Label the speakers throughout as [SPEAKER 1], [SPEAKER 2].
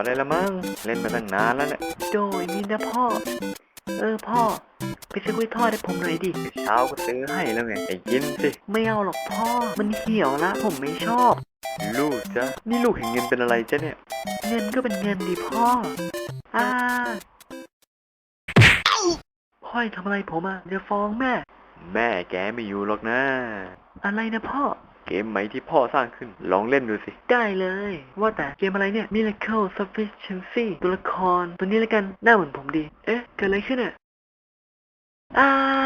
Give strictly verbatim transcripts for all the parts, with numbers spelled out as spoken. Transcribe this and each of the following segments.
[SPEAKER 1] ได้ละมั้งเล่นมาตั้งนานแล้วเนี่ยโดยนี่นะพ่อเออพ่อไปซื้อกล้วยทอดให้ผมหน่อยดิเช้าก็ซื้อให้แล้วไงไอ้กินสิไม่เอาหรอกพ่อมันเหี่ยวละผมไม่ชอบลูกจ๊ะนี่ลูกเห็นเงินเป็นอะไรจ๊ะเนี่ยเงินก็เป็นเงินดิพ่ออ่าพ่อทำอะไรผมอ่ะจะฟ้องแม่แม่แกไม่อยู่หรอกนะอะไรนะพ่อเกมใหม่ที่พ่อสร้างขึ้นลองเล่นดูสิได้เลยว่าแต่เกมอะไรเนี่ย Miracle Sufficiency ตัวละครตัวนี้แล้วกันหน้าเหมือนผมดีเอ๊ะเกิดอะไรขึ้นอ่ะอ่า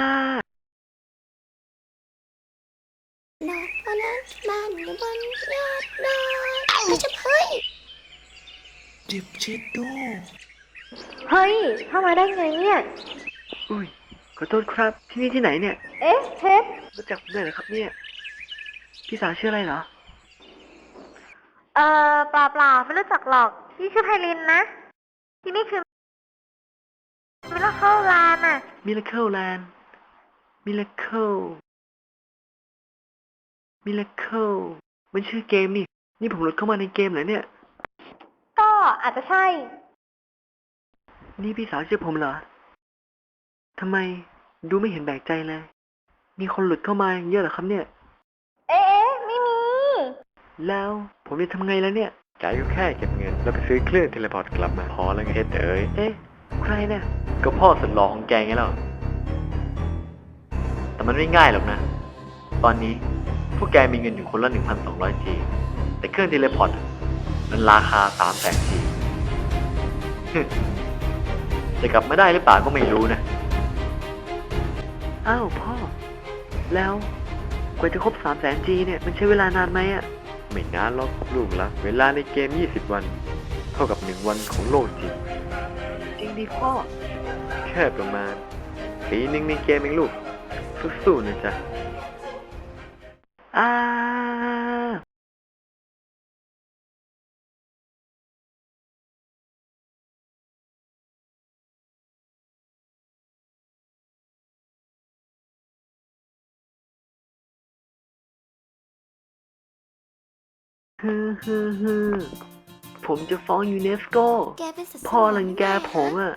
[SPEAKER 2] ดอกบอลบ้านอยู่บนยอดดอยไม่ใช่เฮ้ย
[SPEAKER 3] จิบเช็ดโด
[SPEAKER 2] เฮ้ยเข้ามาได้ไงเนี่ย
[SPEAKER 1] อุ้ยขอโทษครับที่นี่ที่ไหนเนี่ย
[SPEAKER 2] เอ๊ะเพชร
[SPEAKER 1] รู้จักผมด้วยเหรอครับเนี่ยพี่สาวชื่ออะไรเหรอ
[SPEAKER 2] เอ่อเปล่าเปล่าไม่รู้จักหรอกพี่ชื่อไพลินนะที่นี่คือมิราเคิลแลนด์อะ
[SPEAKER 1] Miracle Land Miracle Miracle มันชื่อเกมนี่นี่ผมโหลดเข้ามาในเกมเหรอเนี่ย
[SPEAKER 2] ก็อาจจะใช่
[SPEAKER 1] นี่พี่สาวชื่อผมเหรอทำไมดูไม่เห็นแปลกใจเลยมีคนหลุดเข้ามาเยอะเหรอครับเนี่ย
[SPEAKER 2] เอ๊ะไม่มี
[SPEAKER 1] แล้วผมจะทำไงแล้วเนี่ยใจก็แค่เก็บเงินแล้วไปซื้อเครื่องเทเลพอร์ตกลับมาพอแล้วไงเฮ็ดเอ๋ยเอ๊ะใครเนี่ยก็พ่อสุดหล่อของแกไงแล้วแต่มันไม่ง่ายหรอกนะตอนนี้พวกแกมีเงินอยู่คนละ หนึ่งพันสองร้อย จี แต่เครื่องเทเลพอร์ตมันราคา สามแสน จี จะกลับมาได้หรือเปล่าก็ไม่รู้นะอ้าวพ่อแล้วกว่าจะครบ สามแสน จี เนี่ยมันใช้เวลานานไหมอะไม่นานหรอกลูกละเวลาในเกมยี่สิบวันเท่ากับหนึ่งวันของโลกจริงจริงดิพ่อแค่ประมาณปีหนึ่งในเกมเองลูกสู้ๆนะจ๊ะอ่าฮึฮึฮึผมจะฟ้องยูเนสโกพ่อรังแกผมอ่ะ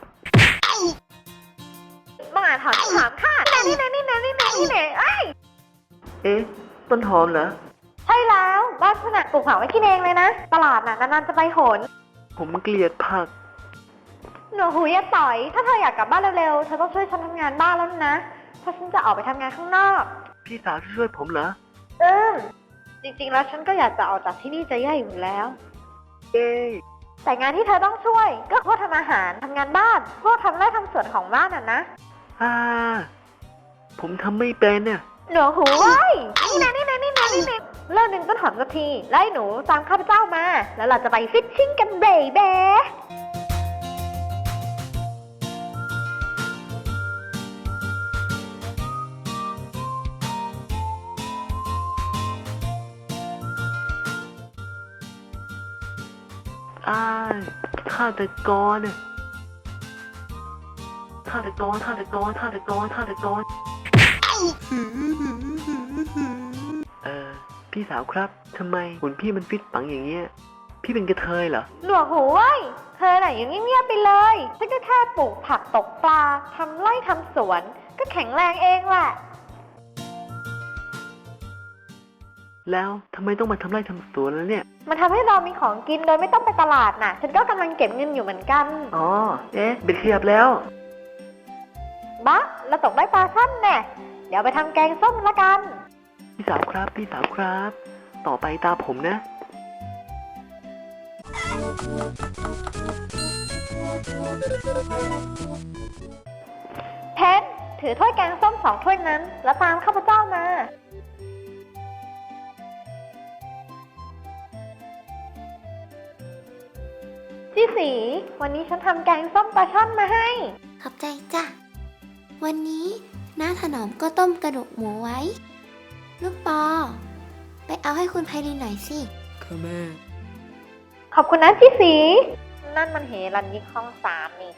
[SPEAKER 2] บ้าถามถามค่ะนี่ไหนนี่ไหนนี่ไหนนี่ไหนเอ้ย
[SPEAKER 1] เอ๊ะต้นหอมเหรอ
[SPEAKER 2] ใช่แล้วบ้านขนาดปลูกผักไว้กินเองเลยนะตลาดน่ะนานๆจะไปหน
[SPEAKER 1] ผมเกลียดผัก
[SPEAKER 2] หนูหูยต่อยถ้าเธออยากกลับบ้านเร็วๆเธอต้องช่วยฉันทำงานบ้านแล้วนะเพราะฉันจะออกไปทำงานข้างนอก
[SPEAKER 1] พี่สาวจะช่วยผมเหรอ
[SPEAKER 2] อืมจริงๆแล้วฉันก็อยากจะออกจากที่นี่จะแย่อยู่แล้ว
[SPEAKER 1] เอ๊
[SPEAKER 2] แต่งานที่เธอต้องช่วยก็พวกทำอาหารทำงานบ้านพวกทำไร่ทำสวนของบ้านน่ะนะ
[SPEAKER 1] อ่าผมทำไม่เป็นน่ะ
[SPEAKER 2] หนูหูไว้นี่นะนี่นะนี่นะนี่นะเลิกดึงต้นหอมสักทีไล่หนูตามข้าพเจ้ามาแล้วเราจะไปฟิชชิ่งกันเบย์เบ้
[SPEAKER 1] อ้ายฆาตกรน่ะฆาตกรฆาตกรฆาตกรฆาตกรเออพี่สาวครับทำไมหุ่นพี่มันฟิตปังอย่างเงี้ยพี่เป็นกระเทยเหรอ
[SPEAKER 2] หนวกหูไว้เธอไหนยังเงียบๆไปเลยฉันก็แค่ปลูกผักตกปลาทำไร่ทำสวนก็แข็งแรงเองแหละ
[SPEAKER 1] แล้วทำไมต้องมาทำไร่ทำสวนแล้วเนี่ย
[SPEAKER 2] มันทำให้เรามีของกินโดยไม่ต้องไปตลาดน่ะฉันก็กำลังเก็บเงินอยู่เหมือนกัน
[SPEAKER 1] อ๋อเอ๊ะเบ็ดขยับแล้ว
[SPEAKER 2] บ้าเราตกได้ปลาช่อนแน่เดี๋ยวไปทำแกงส้มละกัน
[SPEAKER 1] พี่สาวครับพี่สาวครับต่อไปตาผมนะ
[SPEAKER 2] เพชรถือถ้วยแกงส้มสองถ้วยนั้นแล้วตามข้าพเจ้ามาพี่สีวันนี้ฉันทำแกงส้มปลาช่อนมาให้
[SPEAKER 4] ขอบใจจ้ะวันนี้น้าถนอมก็ต้มกระดูกหมูไว้ลูกปอไปเอาให้คุณไพลินหน่อยสิ
[SPEAKER 3] ค่ะแม่
[SPEAKER 2] ขอบคุณนะพี่สีนั่นมันเฮรัญยิกห้องสามนี่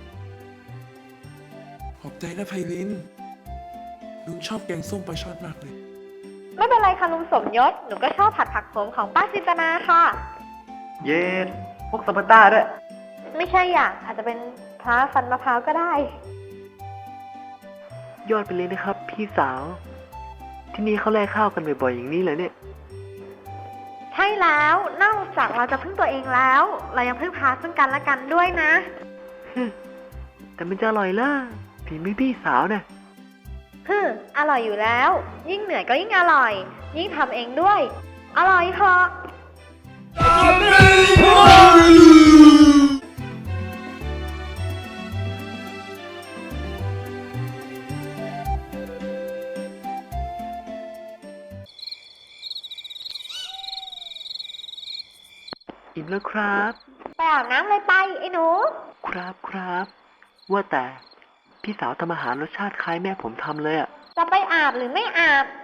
[SPEAKER 3] ขอบใจนะไพลินลุงชอบแกงส้มปลาช่อนมากเลย
[SPEAKER 2] ไม่เป็นไรค่ะลุงสมยศหนูก็ชอบผัดผักโขมของป้าจินตนาค่ะ
[SPEAKER 1] เย็นผกสปาต้าด้วย
[SPEAKER 2] ไม่ใช่อ่ะอาจจะเป็นพระฟันมะพร้าวก็ได้
[SPEAKER 1] ยอดไปเลยนะครับ พี่สาว ที่นี่เขาแลกข้าวกันบ่อยๆอย่างนี้เลยเนี่ย
[SPEAKER 2] ใช่แล้วนอกจากเราจะพึ่งตัวเองแล้ว เรายังพึ่งพาซึ่งกันและกันด้วยนะ
[SPEAKER 1] แต่มันจะอร่อยล่ะฝีมือพี่สาวเนี่ย
[SPEAKER 2] ฮึมอร่อยอยู่แล้ว ยิ่งเหนื่อยก็ยิ่งอร่อย ยิ่งทำเองด้วย อร่อยเหรอ
[SPEAKER 1] อิ่มแล้วครับ
[SPEAKER 2] ไปอาบน้ำเลยไปไอ้หนู
[SPEAKER 1] ครับครับ ว่าแต่พี่สาวทำอาหารรสชาติคล้ายแม่ผมทำเลยอะ
[SPEAKER 2] จะไปอาบหรือไม่อาบ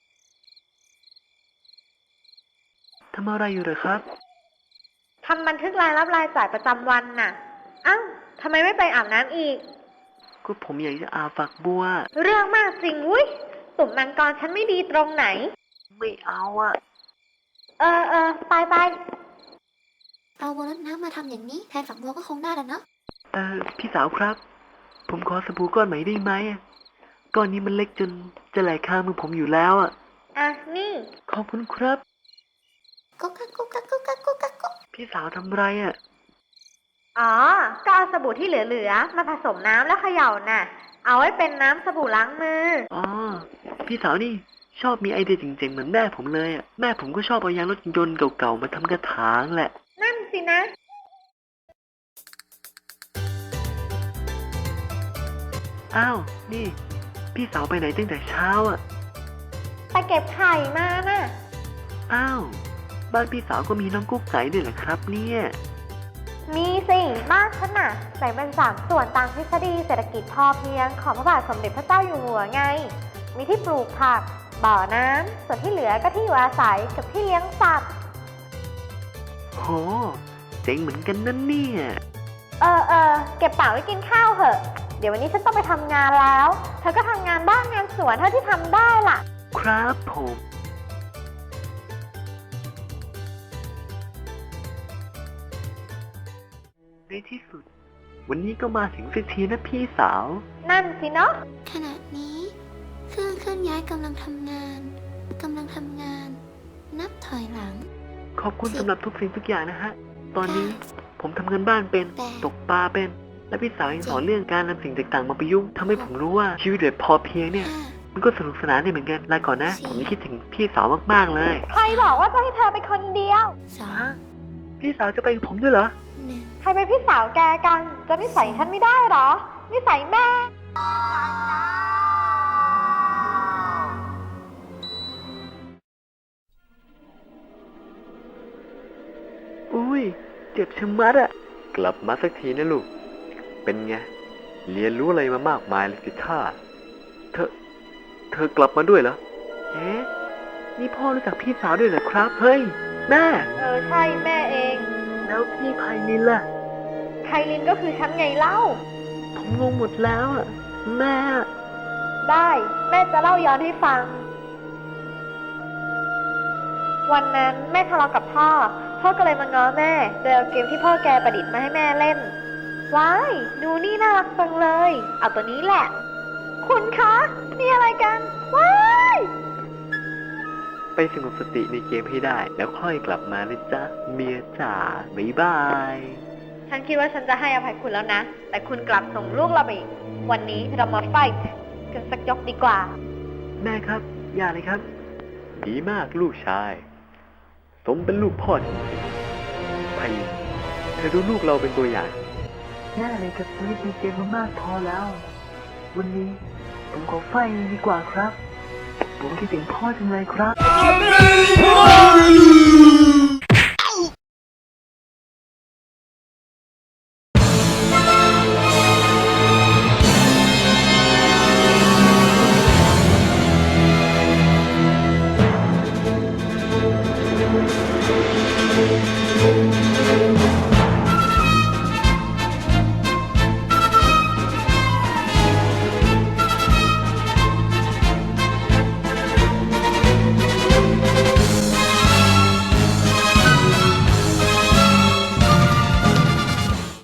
[SPEAKER 1] ทำอะไรอยู่เหรอครับ
[SPEAKER 2] ทำบันทึกรายรับรายจ่ายประจำวันน่ะอ้าวทำไมไม่ไปอาบน้ำอีก
[SPEAKER 1] ก็ผมอยากจะอาบฝักบัว
[SPEAKER 2] เรื่องมากจริงวุ้ยตุ่มมังกรฉันไม่ดีตรงไหน
[SPEAKER 1] ไม่เอาอะ
[SPEAKER 2] เออเออไปไป
[SPEAKER 4] เอาบัวรดน้ำมาทำอย่างนี้แทนฝักบัวก็คงได้แล้วเนาะ
[SPEAKER 1] เออพี่สาวครับ ผมขอสบู่ก้อนใหม่ได้ไหมอะก้อนนี้มันเล็กจนจะไหลข้างมือผมอยู่แล้วอะ
[SPEAKER 2] อ่ะนี่
[SPEAKER 1] ขอบคุณครับ
[SPEAKER 4] กุ๊กกักกุ๊กกักกุ๊กกักกุ๊กกักกุ๊ก
[SPEAKER 1] พี่สาวทำไรอะ
[SPEAKER 2] อ๋อ ก็เอาสบู่ที่เหลือๆมาผสมน้ำแล้วเขย่าน่ะ เอาไว้เป็นน้ำสบู่ล้างมือ
[SPEAKER 1] อ๋อพี่สาวนี่ชอบมีไอเดียเจ๋งๆเหมือนแม่ผมเลยอะแม่ผมก็ชอบเอายางรถยนต์เก่าๆมาทำกระถางแหละ
[SPEAKER 2] นั่นสินะ
[SPEAKER 1] อ้าว นี่ พี่สาวไปไหนตั้งแต่เช้าอ่ะ
[SPEAKER 2] ไปเก็บไข่มาน่ะ
[SPEAKER 1] อ้าว บ้านพี่สาวก็มีน้องกุ๊กไก่ด้วยเหรอครับเนี่ย
[SPEAKER 2] มีสิบ้านฉันน่ะแบ่งเป็นสามส่วนตามทฤษฎีเศรษฐกิจพอเพียงของพระบาทสมเด็จพระเจ้าอยู่หัวไง มีที่ปลูกผัก บ่อน้ำ ส่วนที่เหลือก็ที่อยู่อาศัยกับที่เลี้ยงสัตว์
[SPEAKER 1] โห เจ๋งเหมือนกันนั่นเนี่ย
[SPEAKER 2] เออเออเก็บเป๋าไว้กินข้าวเหอะ เดี๋ยววันนี้ฉันต้องไปทำงานแล้ว เธอก็ทำงานบ้านงานสวนเท่าที่ทำได้ล่ะ
[SPEAKER 1] ครับผม ในที่สุด วันนี้ก็มาถึงสักทีนะพี่สาว
[SPEAKER 2] นั่นสิเนาะ
[SPEAKER 4] ขณะนี้ เครื่องเคลื่อนย้ายกำลังทำงานกำลังทำงาน นับถอยหลัง
[SPEAKER 1] ขอบคุณสำหรับทุกสิ่งทุกอย่างนะฮะ ตอนนี้ผมทำงานบ้านเป็น
[SPEAKER 4] แต่
[SPEAKER 1] ตกปลาเป็น และพี่สาวยังสอนเรื่องการนำสิ่งต่างๆมาประยุกต์ทำให้ผมรู้ว่าชีวิตแบบพอเพียงเนี่ย
[SPEAKER 4] ห้า
[SPEAKER 1] มันก็สนุกสนานได้เหมือนกันลาก่อนนะ
[SPEAKER 4] สี่
[SPEAKER 1] ผมคิดถึงพี่สาวมากๆเลย
[SPEAKER 2] ใครบอกว่าจะให้เธอไปคนเดียว
[SPEAKER 4] สอง
[SPEAKER 1] ฮะ พี่สาวจะไปกับผมด้วยเหรอ
[SPEAKER 4] หนึ่ง
[SPEAKER 2] ใครเป็นพี่สาวแกกัน จะนิสัยฉันไม่ได้เหรอ นิสัยแม่
[SPEAKER 1] อุ้ย เจ็บชะมัดอะกลับมาสักทีนะลูก เป็นไง เรียนรู้อะไรมามากมายเลยสิท่า เธอ เธอกลับมาด้วยเหรอ เอ๊ะ นี่พ่อรู้จักพี่สาวด้วยเหรอครับ เฮ้ย แม่
[SPEAKER 2] เออใช่แม่เอง
[SPEAKER 1] แล้วพี่ไพลินล่ะ
[SPEAKER 2] ไคลินก็คือฉันไงเล่า
[SPEAKER 1] ผมงงหมดแล้วอะแม่
[SPEAKER 2] ได้แม่จะเล่าย้อนให้ฟัง วันนั้นแม่ทะเลาะกับพ่อ พ่อก็เลยมาง้อแม่ โดยเอาเกมที่พ่อแกประดิษฐ์มาให้แม่เล่น ว้าย ดูนี่น่ารักจังเลย เอาตัวนี้แหละ คุณคะ นี่อะไรกัน ว้าย
[SPEAKER 1] ไปสงบสติในเกมให้ได้ แล้วค่อยกลับมานะจ๊ะ เมียจ๋า บ๊ายบาย
[SPEAKER 2] ฉันคิดว่าฉันจะให้อภัยคุณแล้วนะ แต่คุณกลับส่งลูกเราไปอีก วันนี้เรามาไฟท์กันสักยกดีกว่า
[SPEAKER 1] แม่ครับ อย่าเลยครับ ดีมากลูกชาย สมเป็นลูกพ่อจริงๆไพลินเธอดูลูกเราเป็นตัวอย่างแย่เลยกับชีวิตในเกมมามากพอแล้ว วันนี้ผมขอไฟดีกว่าครับ ผมคิดถึงพ่อจังเลยครับ